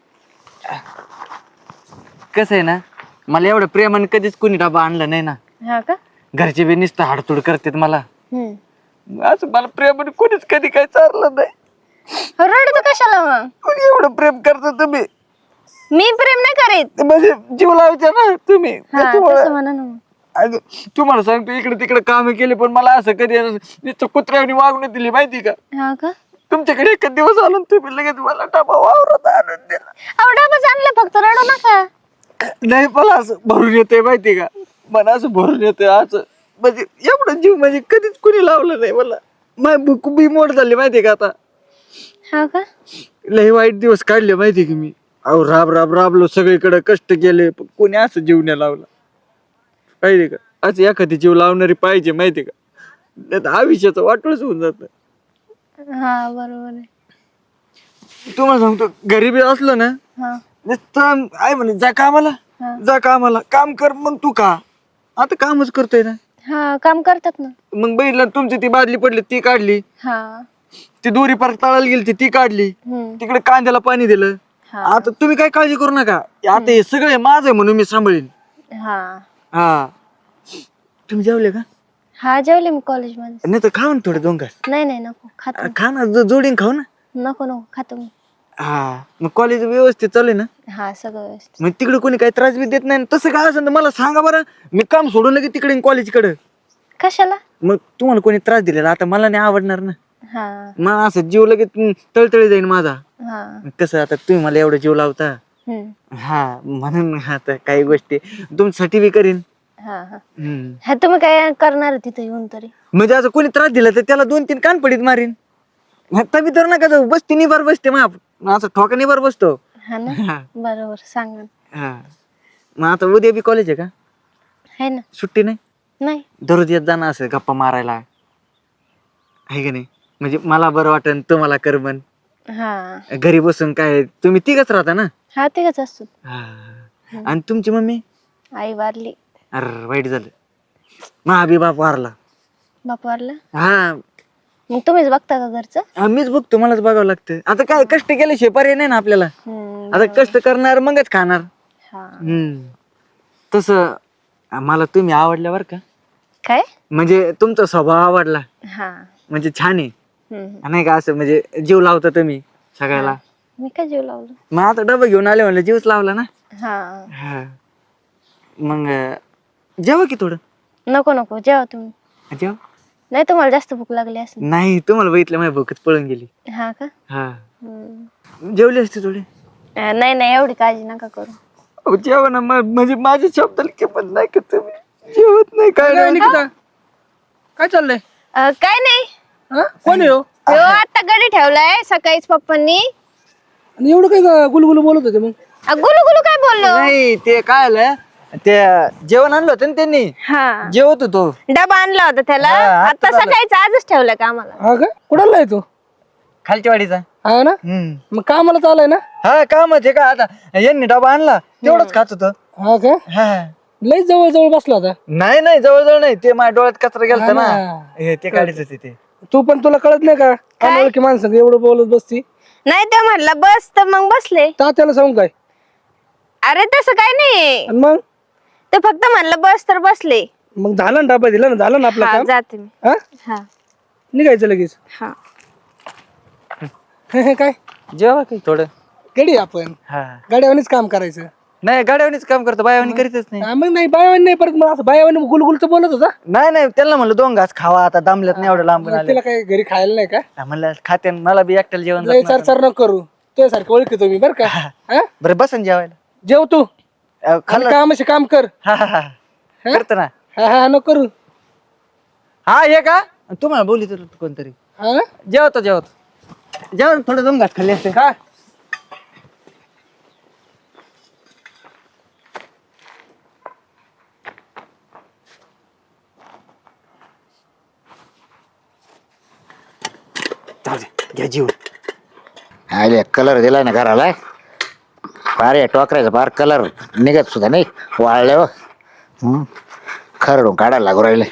Speaker 3: कसं आहे ना मला एवढं प्रेमाने कधीच कोणी डबा आणला नाही ना
Speaker 2: हा का?
Speaker 3: घरचे बी नुसतं हाडतूड करतात मला
Speaker 2: हम्म.
Speaker 3: असं मला प्रेमाने कोणीच कधी काही चाललं नाही
Speaker 2: रडतो कशाला मग?
Speaker 3: कोणी एवढं प्रेम करता तुम्ही
Speaker 2: मी प्रेम नाही करीत.
Speaker 3: म्हणजे जीव लावायचा ना तुम्ही
Speaker 2: हा
Speaker 3: त्याच्यामुळं-
Speaker 2: तसं म्हणा ना मग.
Speaker 3: अगं, तुम्हाला सांगतो इकडे तिकडे काम केले पण मला असं कधी नुसतं कुत्र्याने वागणूक दिली माहिती का
Speaker 2: हा का?
Speaker 3: तुमच्याकडे एकच दिवस आलो आणि तुम्ही लगेच मला डबा वावरात आणून दिला
Speaker 2: अहो डबाच आणलं फक्त रडू नका.
Speaker 3: नाही मला असं भरून येते माहिती का मला असं भरून येते असं म्हणजे एवढं जीव म्हणजे कधीच कुणी लावलं नाही मला माय भूक बी मोड झाली माहिती का आता
Speaker 2: हा का?
Speaker 3: लय वाईट दिवस काढले माहिती की मी अहो राब राब राबलो सगळीकडे कष्ट केले पण कोणी असं जीव नाही लावला पाहिजे का असं एखादी जीव लावणारी पाहिजे माहिती का नाही तर आयुष्याचं वाटोळच होऊन जात
Speaker 2: हा बरोबर आहे.
Speaker 3: तुम्हाला सांगतो गरीबी असलो ना
Speaker 2: हा
Speaker 3: नुसतं आहे म्हणे जा कामाला
Speaker 2: हा.
Speaker 3: जा कामाला काम कर मग तू का आता कामच करतोय ना
Speaker 2: हा काम करतात ना.
Speaker 3: मग बघितलं तुमची ती बादली पडली ती काढली
Speaker 2: हा
Speaker 3: ती दोरी परत तळायला गेली ती ती काढली
Speaker 2: हम्म.
Speaker 3: तिकडे कांद्याला पाणी दिलं
Speaker 2: हा.
Speaker 3: आता तुम्ही काय काळजी करू नका आता हे सगळे माझं आहे म्हणून मी सांभाळीन
Speaker 2: हा
Speaker 3: हा तुम्ही जेवले का
Speaker 2: हा जेवले मी कॉलेजमध्ये.
Speaker 3: नाही तर खाऊ ना थोडे दोन घास
Speaker 2: नाही नाही नको खातो.
Speaker 3: खा ना जो- जोडीन खाऊ ना
Speaker 2: नको नको खातो मी.
Speaker 3: हा मग कॉलेज व्यवस्थित चालू आहे ना
Speaker 2: हा सगळं व्यवस्थित.
Speaker 3: मग तिकडे कोणी काही त्रास बी देत नाही तसं काय असेल तर मला सांगा बरं मी काम सोडून लगे तिकडे कॉलेजकडे
Speaker 2: कशाला?
Speaker 3: मग तुम्हाला कोणी त्रास दिलेला आता मला नाही आवडणार ना
Speaker 2: हा
Speaker 3: मग असं जीव लगेच तळतळी जाईन माझा
Speaker 2: हा
Speaker 3: कसं आता तुम्ही मला एवढं जीव लावता
Speaker 2: हम्म.
Speaker 3: हा म्हणून आता काही गोष्टी तुमच्यासाठी बी करीन
Speaker 2: हा हा
Speaker 3: हम्म.
Speaker 2: हा तुम्ही काय करणार तिथे येऊन तरी?
Speaker 3: म्हणजे असं कोणी त्रास दिला तर त्याला दोन तीन कान पडीत मारीन तभी तर नका जाऊ बसते निभार बसते मग असं ठोका निभार बसतो
Speaker 2: हा ना
Speaker 3: हा.
Speaker 2: बरोबर सांगा.
Speaker 3: हा मग आता उद्या बी कॉलेज आहे का
Speaker 2: आहे ना.
Speaker 3: सुट्टी नाही
Speaker 2: नाही
Speaker 3: दररोज येत जाणं असं गप्पा मारायला आहे का नाही म्हणजे मला बरं वाटन तुम्हाला करमन
Speaker 2: हा
Speaker 3: घरी बसून काय तुम्ही तिघच राहता ना
Speaker 2: हा तिघच असतो.
Speaker 3: हा. आणि तुमची मम्मी
Speaker 2: आई वारली.
Speaker 3: अरे वाईट झालं महाबी बाप वारला
Speaker 2: बाप वारला.
Speaker 3: हा
Speaker 2: मग तुम्हीच बघता का घरचं?
Speaker 3: हा, मीच बघतो, मलाच बघावं लागतं. आता काय कष्ट केल्याशिवाय पर्याय नाही ना आपल्याला.
Speaker 2: हम्म,
Speaker 3: आता कष्ट करणार मगच खाणार.
Speaker 2: हा.
Speaker 3: हम्म तसं मला तुम्ही आवडल्या बरं का.
Speaker 2: काय?
Speaker 3: म्हणजे तुमचा स्वभाव आवडला,
Speaker 2: हा.
Speaker 3: म्हणजे छान आहे.
Speaker 2: हम्म.
Speaker 3: नाही का असं म्हणजे जीव लावता तुम्ही सगळ्याला.
Speaker 2: मी काय जीव लावलं?
Speaker 3: मग आता डबा घेऊन आले म्हणलं जीवच लावला ना.
Speaker 2: हा.
Speaker 3: हा मग जेवा की थोडं.
Speaker 2: नको नको जेवा तुम्ही.
Speaker 3: जेवा.
Speaker 2: नाही तुम्हाला जास्त भूक लागली असेल.
Speaker 3: नाही तुम्हाला बघितलं माझ्या भूकच पळून गेली.
Speaker 2: हा का?
Speaker 3: हा
Speaker 2: हम्म.
Speaker 3: जेवली असते थोडी.
Speaker 2: अं, नाही नाही एवढी काळजी नका करू.
Speaker 3: अहो, जेवा ना म- म्हणजे माझ्या शब्दाला किंमत नाही का तुम्ही जेवत नाही काय
Speaker 5: काय
Speaker 3: नाही.
Speaker 5: निकिता काय चाललंय?
Speaker 2: अं, काय नाही.
Speaker 5: हा कोण आहे हो?
Speaker 2: हो आता गडी ठेवलाय सकाळीच पप्पांनी.
Speaker 5: आणि एवढं काय ग- गुलगुलू बोलत होते मग?
Speaker 2: अं, गुलू गुलू काय बोललो?
Speaker 3: नाही ते काय आलं ते जेवण आणलं होतं ना त्यांनी,
Speaker 2: हा.
Speaker 3: जेवत होतो.
Speaker 2: डबा आणला होता त्याला.
Speaker 3: हा,
Speaker 2: आता
Speaker 3: आत्ताच आला.
Speaker 2: सकाळीच आजच ठेवलाय का आम्हाला.
Speaker 5: हा का कुणाला आहे तो?
Speaker 3: खालच्या वाडीचा.
Speaker 5: हा ना
Speaker 3: हम्म
Speaker 5: मग कामाला चालाय ना?
Speaker 3: हा काम आहे का आता यांनी डबा आणला तेवढंच खात होतं.
Speaker 5: हा का
Speaker 3: हा
Speaker 5: लय जवळ जवळ बसला होता.
Speaker 3: नाही नाही जवळजवळ नाही, ते माझ्या डोळ्यात कचरा गेलता
Speaker 5: हा
Speaker 3: ना,
Speaker 5: ना.
Speaker 3: हे ते काढायचं होते ते.
Speaker 5: तू पण तुला कळत नाही का अनोळखी माणसं एवढं बोलत बसती?
Speaker 2: नाही ते म्हणलं बस तर मग बसले.
Speaker 5: तात्याला सांगू काय?
Speaker 2: अरे तसं काय नाही.
Speaker 5: आणि मग
Speaker 2: ते फक्त म्हणलं बस तर बसले.
Speaker 5: मग झालं ना डबा दिला ना, झालं ना आपलं
Speaker 2: हा
Speaker 5: काम.
Speaker 2: जाते मी.
Speaker 5: हा
Speaker 2: हा
Speaker 5: निघायचं लगेच.
Speaker 2: हा.
Speaker 5: काय
Speaker 3: जेवा काही थोडं.
Speaker 5: गडी आपण
Speaker 3: हा
Speaker 5: गाड्यावानीच काम करायचं.
Speaker 3: नाही गाड्यावरच काम करतो, बायावानी करीतच नाही.
Speaker 5: हा, मग नाही बायावानी नाही परत मग असं बायावानी गुलगुलचं बोलत होता.
Speaker 3: नाही नाही त्यांना म्हणलं दोन घास खावा, आता दमल्यात नाही एवढं लांबून
Speaker 5: मग
Speaker 3: आले.
Speaker 5: तिला काही घरी खायला नाही का?
Speaker 3: हा, म्हणलं खाते मला बी एकट्याला जेवण
Speaker 5: लय
Speaker 3: जात
Speaker 5: चार
Speaker 3: नव्हतं.
Speaker 5: चार न करू तुझ्यासारखं ओळखतो मी बरं का. हा?
Speaker 3: बरं बसन जेवायला.
Speaker 5: जेव तू
Speaker 3: अहो,
Speaker 5: आणि
Speaker 3: खाल्लं.
Speaker 5: कामाशी काम कर.
Speaker 3: हा हा हा करतो ना.
Speaker 5: हा हा न करू.
Speaker 3: हा हे का तुम्हाला बोली तर कोणतरी.
Speaker 5: हा
Speaker 3: जेवतो जेवतो जेवण थोडं दोन घास खाल्ले असते.
Speaker 5: का
Speaker 3: जाऊ दे, घ्या जीवन.
Speaker 4: अरे कलर दिलाय ना घराला, फार या टोकरायचा फार कलर निघत सुद्धा नाही वाळल्यावर. हम्म खरडून काढायला लागू राहिले.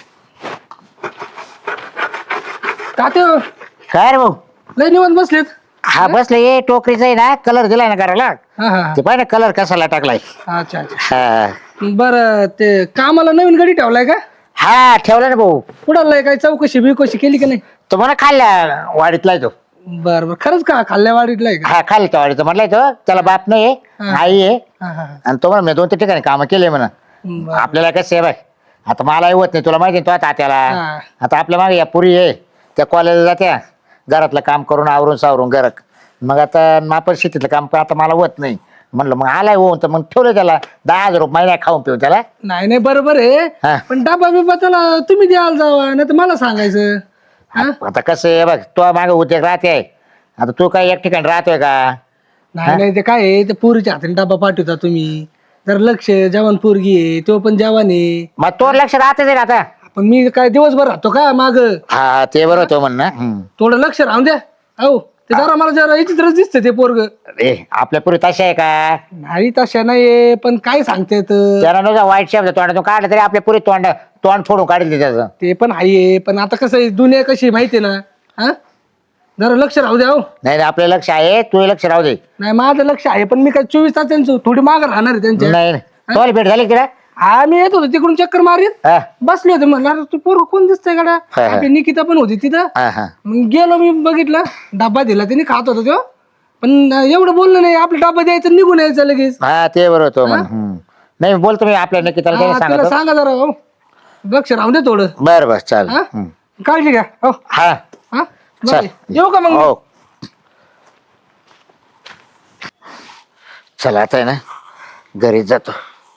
Speaker 5: तात्या
Speaker 4: काय रे भाऊ?
Speaker 5: लय निवांत बसलेत.
Speaker 4: हा बसले ये टोकरीचा आहे ना, कलर दिलाय ना घराला.
Speaker 5: हा हा
Speaker 4: ते पाहिजे कलर कसाला टाकलाय.
Speaker 5: हा. अच्छा अच्छा
Speaker 4: हा
Speaker 5: बरं ते कामाला नवीन गडी ठेवलाय का?
Speaker 4: हा ठेवला ना भाऊ.
Speaker 5: कुणाला काय चौकशी बिकशी केली का नाही?
Speaker 4: तो म्हणा खाल्ल्या वाडीतलाय तो.
Speaker 5: बर बर खरंच का खाल्ल्या वाडीतलाय का?
Speaker 4: हा खाल्ल्या वाडीत म्हटलाय तो. त्याला बाप नाही
Speaker 5: हा.
Speaker 4: आई आहे.
Speaker 5: हा हा
Speaker 4: आणि तो म्हणा मी दोन तीन ठिकाणी कामं केले म्हणा.
Speaker 5: बरं.
Speaker 4: आपल्याला कसं आहे बाय, आता मला होत नाही, तुला माहिती आहे तो तात्याला.
Speaker 5: हा.
Speaker 4: आता आपल्या मागे या पुरी आहे त्या कॉलेजला जात्या, घरातलं काम करून आवरून सावरून घर. मग आता आपण शेतीतलं काम आता मला होत नाही, म्हणलं मग आलाय होऊन तर मग ठेवलं त्याला दहा हजार रुपये महिना खाऊन पिऊन त्याला.
Speaker 5: नाही नाही बरोबर आहे
Speaker 4: हा.
Speaker 5: पण डबा बिबा त्याला तुम्ही द्यायला जावा नाही तर मला सांगायचं. हा?
Speaker 4: आता कसं आहे बघ, तो मागे उद्योग राहते, आता तू काय एक ठिकाणी राहतोय का?
Speaker 5: नाही नाही ते काय आहे ते पोरीच्या हाताने डबा पाठवता तुम्ही, जर लक्ष जवान पोरगी आहे तो पण जवान आहे.
Speaker 4: मग तो लक्ष राहतेच आहे ना आता.
Speaker 5: पण मी काय दिवसभर राहतो का माग?
Speaker 4: हा ते बरोबर तो म्हणणं. हम्म.
Speaker 5: थोडं लक्ष राहून द्या. हो ते जरा मला जरा विचित्रच दिसतं ते पोरग.
Speaker 4: ए आपल्या पुरी तशा आहे का?
Speaker 5: नाही तशा नाहीये पण काय सांगते तर
Speaker 4: त्याला नुसता वाईट शब्द तोंडातून काढलं तरी आपल्या पुरी तोंड तोंड फोडून काढले त्याचं.
Speaker 5: ते पण आहे पण आता कसं आहे दुनिया कशी आहे माहितीये ना. हा जरा लक्ष राहू द्या. हो
Speaker 4: नाही नाही, आपलं लक्ष आहे, तू लक्ष राहू दे.
Speaker 5: नाही माझं लक्ष आहे पण मी काय चोवीस तास त्यांचं थोडी माग राहणार आहे त्यांच्या.
Speaker 4: नाही नाही. तुम्हाला भेट झाली तिला?
Speaker 5: हा मी येत होतो तिकडून चक्कर मारीत
Speaker 4: हा
Speaker 5: बसले होते म्हणलं तू पोरग कोण दिसतंय गाड्या.
Speaker 4: हा, हा.
Speaker 5: आपली निकिता पण होती तिथं.
Speaker 4: हा हा
Speaker 5: मग गेलो मी बघितलं डब्बा दिला त्यांनी खात होता तो पण एवढं बोललं नाही आपला डब्बा द्यायचं निघून यायचं लगेच.
Speaker 4: हा ते बरोबर तो म्हण. हम्म. नाही बोलतो मी आपल्या नक्की त्याला
Speaker 5: हा, त्याला
Speaker 4: सांगतो.
Speaker 5: सांगा जरा हो लक्ष राहून दे थोडं.
Speaker 4: बर बर चाल.
Speaker 5: हा? काळजी घ्या. हो
Speaker 4: हा
Speaker 5: हा
Speaker 4: चल.
Speaker 5: बरं. येऊ का मग?
Speaker 4: हो चला आता आहे ना घरी जातो.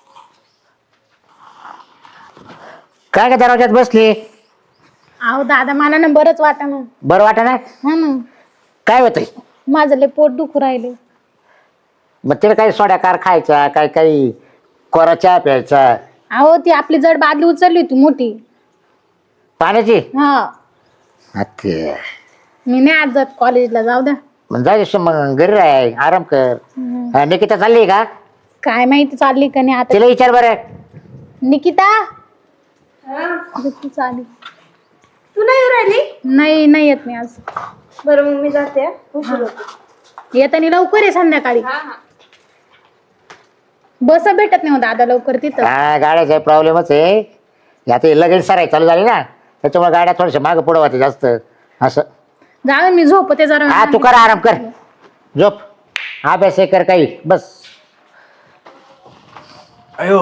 Speaker 4: काय का दरवाज्यात बसली?
Speaker 1: अहो दादा मला ना बरंच वाटा ना.
Speaker 4: बरं वाटा ना?
Speaker 1: हा ना
Speaker 4: काय होतंय?
Speaker 1: माझं लय पोट दुखू राहिले.
Speaker 4: मग तिला काही सोड्या कार खायचा, काय काही कोरा चहा प्यायचा.
Speaker 1: अहो ती आपली जड बादली उचलली होती मोठी.
Speaker 4: पाण्याची?
Speaker 1: हा
Speaker 4: हा, ते
Speaker 1: मी नाही आज जात कॉलेजला. जाऊ द्या.
Speaker 4: मग जायचं मग घरी राह आराम कर. हा, निकिता चालली का?
Speaker 1: काय माहिती चालली का नाही आता.
Speaker 4: तिला विचार बरं.
Speaker 1: निकिता अगं, ती चालली.
Speaker 2: तू नाही राहिली?
Speaker 1: नाही नाही येत मी आज.
Speaker 2: बरं मग मी जाते हा. उशीर होतो.
Speaker 1: येताना लवकर आहे संध्याकाळी. बस भेटत नाही हो दादा लवकर तिथं.
Speaker 4: हा गाड्याचा प्रॉब्लेमच आहे. आता हे लगेच सराय चालू झाली ना त्याच्यामुळे गाड्या थोड्याशा मागं पुढं होते जास्त असं.
Speaker 1: जाऊ मी झोपते जरा.
Speaker 4: हा तू कर आराम कर झोप अभ्यास हे कर काही बस.
Speaker 3: अयो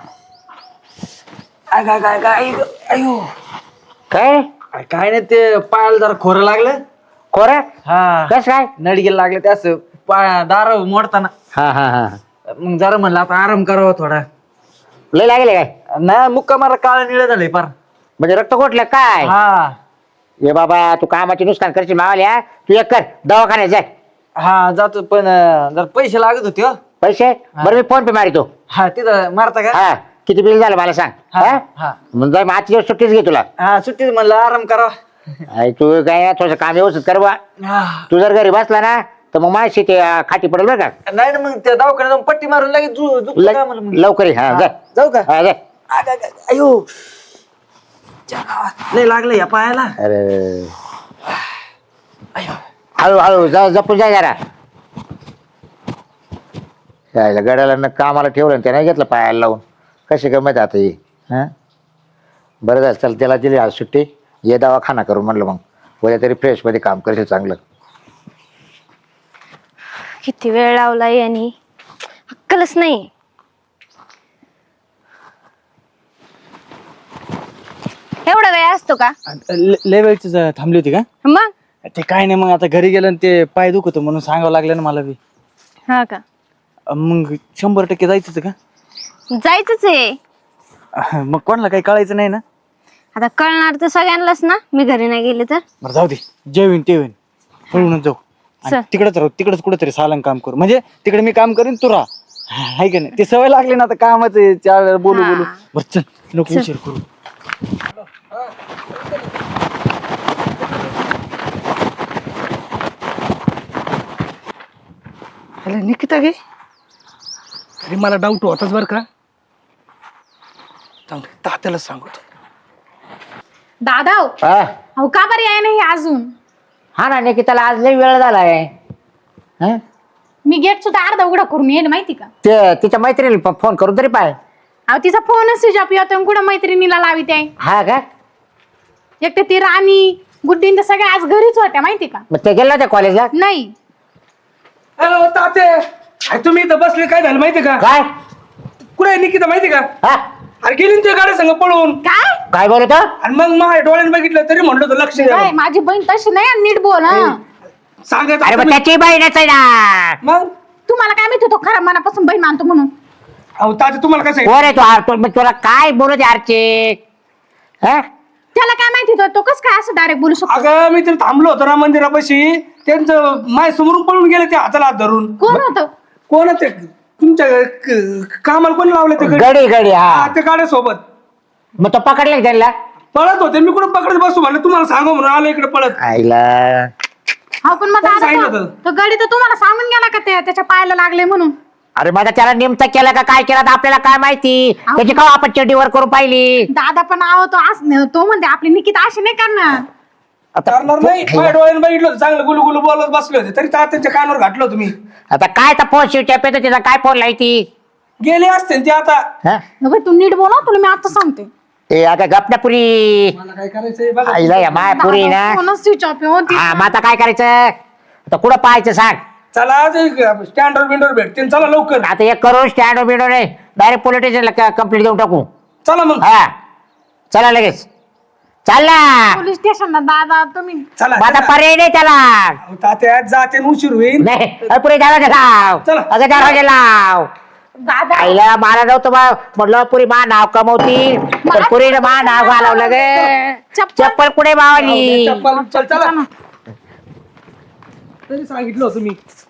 Speaker 3: काय काय काय काय अयो
Speaker 4: काय
Speaker 3: अरे काय नाही ते पायाला जरा खोरं लागलं.
Speaker 4: खोरं
Speaker 3: हा
Speaker 4: कस काय
Speaker 3: नडगेला लागलं ते असं पाय दार मोडताना.
Speaker 4: हा हा हा
Speaker 3: मग जरा म्हणलं आता आराम करावा थोडा.
Speaker 4: लय लागले काय
Speaker 3: नाही मुक्का मारा काळ निळ झालंय पार.
Speaker 4: म्हणजे रक्त घोटलं काय
Speaker 3: हा
Speaker 4: ये बाबा तू कामाची नुकसान करशील मावाल्या तू एक कर दवाखान्यात जाय.
Speaker 3: हा जातो पण अं, जरा पैसे लागत होते हो.
Speaker 4: पैसे बरं मी फोन पे मारितो.
Speaker 3: हा तिथं मारता का.
Speaker 4: हा किती बिल झालं मला सांग.
Speaker 3: हा
Speaker 4: हा
Speaker 3: हा
Speaker 4: मग जाय मग आजची दिवस सुट्टीच घे तुला.
Speaker 3: हा सुट्टीत म्हणलं आराम करावा.
Speaker 4: अरे तू काय थोडंसं काम व्यवस्थित कर बा.
Speaker 3: हा.
Speaker 4: तू जर घरी बसला ना तर मग माझी ते अं, खाटी पडेल बरं का.
Speaker 3: नाही ना मग त्या दवाखान्यात जाऊन पट्टी मारून लगेच झु- झुकतो का मला मग.
Speaker 4: लवकर ये. हा
Speaker 3: हा,
Speaker 4: जाय
Speaker 3: जाऊ का.
Speaker 4: हा जाय.
Speaker 3: आ, गा, गा, अयो च्या गावात लय लागलं या पायाला.
Speaker 4: अरे
Speaker 3: अयो
Speaker 4: हळू हळू जा जपून जाय जरा. यायला गड्याला न कामाला ठेवलं आणि त्याने घेतलं पायाला लावून कशी गमत आता ही. हां बरं झालं चल त्याला दिली आज सुट्टी ये दवाखाना करू म्हणलं मग उद्या तरी फ्रेशमध्ये काम करशील चांगलं.
Speaker 2: किती वेळ लावला यांनी अक्कलच नाही. एवढा वेळ असतो का
Speaker 3: लय वेळची थांबली होती का.
Speaker 2: मग.
Speaker 3: ते काय नाही मग आता घरी गेलं आणि ते पाय दुखत म्हणून सांगावं लागलं ना मला बी.
Speaker 2: हा का
Speaker 3: मग शंभर टक्के जायचंच का.
Speaker 2: जायचंच आहे.
Speaker 3: मग कोणाला काही कळायचं नाही ना.
Speaker 2: आता कळणार तर सगळ्यांनाच ना मी घरी नाही गेले तर.
Speaker 3: बरं जाऊ दे जेवीन तेवीन पळूनच जाऊ. आणि
Speaker 2: चल.
Speaker 3: तिकडेच राहू तिकडेच कुठेतरी सालन काम करू म्हणजे तिकडे मी काम करीन तू राहा आहे का नाही. ते सवय लागली ना आता कामाचं चार वेळा बोलू
Speaker 2: हा.
Speaker 3: बोलू. बरं चल नको उशीर करू.
Speaker 5: अरे निकिता गे अरे मला डाऊट होताच बरं का. जाऊ दे, तात्यालाच सांगतो.
Speaker 1: दादा हो.
Speaker 4: हा
Speaker 1: अहो का बरं याय नाही अजून.
Speaker 4: हा ना निकिताला आज लई वेळ झालाय. हं?
Speaker 1: मी गेट सुद्धा अर्धा उघडा करून येईल माहिती का.
Speaker 4: ते तिच्या मैत्रिणीला फोन करून तरी पाय.
Speaker 1: अहो तिचा फोनच स्विच ऑफ येतो कुठं मैत्रिणीला लावित आहे.
Speaker 4: हा का
Speaker 1: एक तर ती राणी गुड्डीन तर सगळ्या आज घरीच होत्या माहिती का.
Speaker 4: मग ते गेलं त्या कॉलेजला
Speaker 1: नाही
Speaker 5: हॅलो ताते अरे तुम्ही इथं बसले काय झालं माहिती का.
Speaker 4: काय
Speaker 5: कुठे आहे निकिता माहिती का.
Speaker 4: हा
Speaker 5: अरे गेली ना त्या गाड्या संग पळून.
Speaker 1: काय
Speaker 4: काय बोलत
Speaker 5: आणि मग माझ्या डोळ्याने बघितलं तरी म्हणलं होतं लक्ष द्या.
Speaker 1: काय माझी बहीण तशी नाही आणि नीट बोल हं.
Speaker 5: सांगायचं
Speaker 4: अरे मग
Speaker 5: तुम्ही-
Speaker 4: त्याची बहीणच आहे ना.
Speaker 5: मग
Speaker 1: तुम्हाला काय माहिती तो खरा मनापासून बहीण मानतो म्हणून.
Speaker 5: अहो ताते तुम्हाला काय सांगितलं.
Speaker 4: कोण आहे तो आर मग तुला काय बोलत आरचे. हा
Speaker 1: त्याला काय माहिती तो तो कसं काय असं डायरेक्ट बोलू शकतो.
Speaker 5: अगं मी तर थांबलो होतो ना मंदिरापाशी त्यांचं माय समोरून पळून गेले ते हाताला हात धरून.
Speaker 1: कोण होतं.
Speaker 5: कोण आहे ते तुमच्या क- कामाला कोण लावले ते गडी?
Speaker 4: गडी गडी
Speaker 5: हा,
Speaker 4: हा
Speaker 5: ते गाड्यासोबत
Speaker 4: मग तो पकडला का त्यांना.
Speaker 5: पळत होते मी कुठं पकडत बसू म्हणलं तुम्हाला सांगू म्हणून आलो इकडे पळत.
Speaker 4: आईला
Speaker 1: हा पण मग
Speaker 5: कोण
Speaker 1: दादा
Speaker 5: सांगितलं
Speaker 1: तो-
Speaker 5: होतं?
Speaker 1: तो गाडी तर तुम्हाला सांगून गेला का ते त्याच्या पायाला लागले म्हणून.
Speaker 4: अरे माझा त्याला नेमता केला का काय केला तर आपल्याला काय माहिती. त्याची का आपण चड्डीवर करून पाहिली.
Speaker 1: दादा पण आहो तो आज तो म्हणते आपली निकिता अशी नाही करणार.
Speaker 4: आता
Speaker 5: करणार नाही माझ्या डोळ्याने बघितलं होतं चांगलं गुलू गुलू बोलत बसले होते तरी तात्यांच्या कानावर घातलं होतं मी.
Speaker 4: आता काय तर फोन शिवच्या पेतो तिचा काय फोन लायती.
Speaker 5: गेले असते ना ते आता.
Speaker 4: हा?
Speaker 1: अबे, तू नीट बोला तुला मी आता सांगते.
Speaker 4: ए अगं गपण्यापुरी
Speaker 5: मला काय करायचंय बघा.
Speaker 4: आईला या मायापुरी ना.
Speaker 1: फोनच स्विच ऑफ होती.
Speaker 4: हा मग आता काय करायचं आता कुठं पाहायचं सांग.
Speaker 5: चला स्टँडवर बिंडवर भेटते चला लवकर.
Speaker 4: आता एक करून स्टँड बिडो नाही डायरेक्ट पोलीस स्टेशनला कंप्लीट देऊन टाकू.
Speaker 5: चला मग
Speaker 4: हा चला लगेच चाल ना.
Speaker 1: पोलीस स्टेशनला दादा तुम्ही.
Speaker 5: चला
Speaker 4: मग आता
Speaker 5: चला.
Speaker 4: पर्याय नाही त्याला.
Speaker 5: अहो, तात्या जाते न उशीर होईल.
Speaker 4: नाही अरे पुढे दरवाजा लाव.
Speaker 5: चला.
Speaker 4: अगं दरवाजा लाव.
Speaker 1: दादा
Speaker 4: आईला मला नव्हतं बा म्हटलं पुरी मा नाव कमवती तर पुरीनं मा नाव घालवलं गे.
Speaker 1: चप्पल
Speaker 4: चप्पल कुठे मावली.
Speaker 5: चप्पल चल चला तरी सांगितलं होतं मी.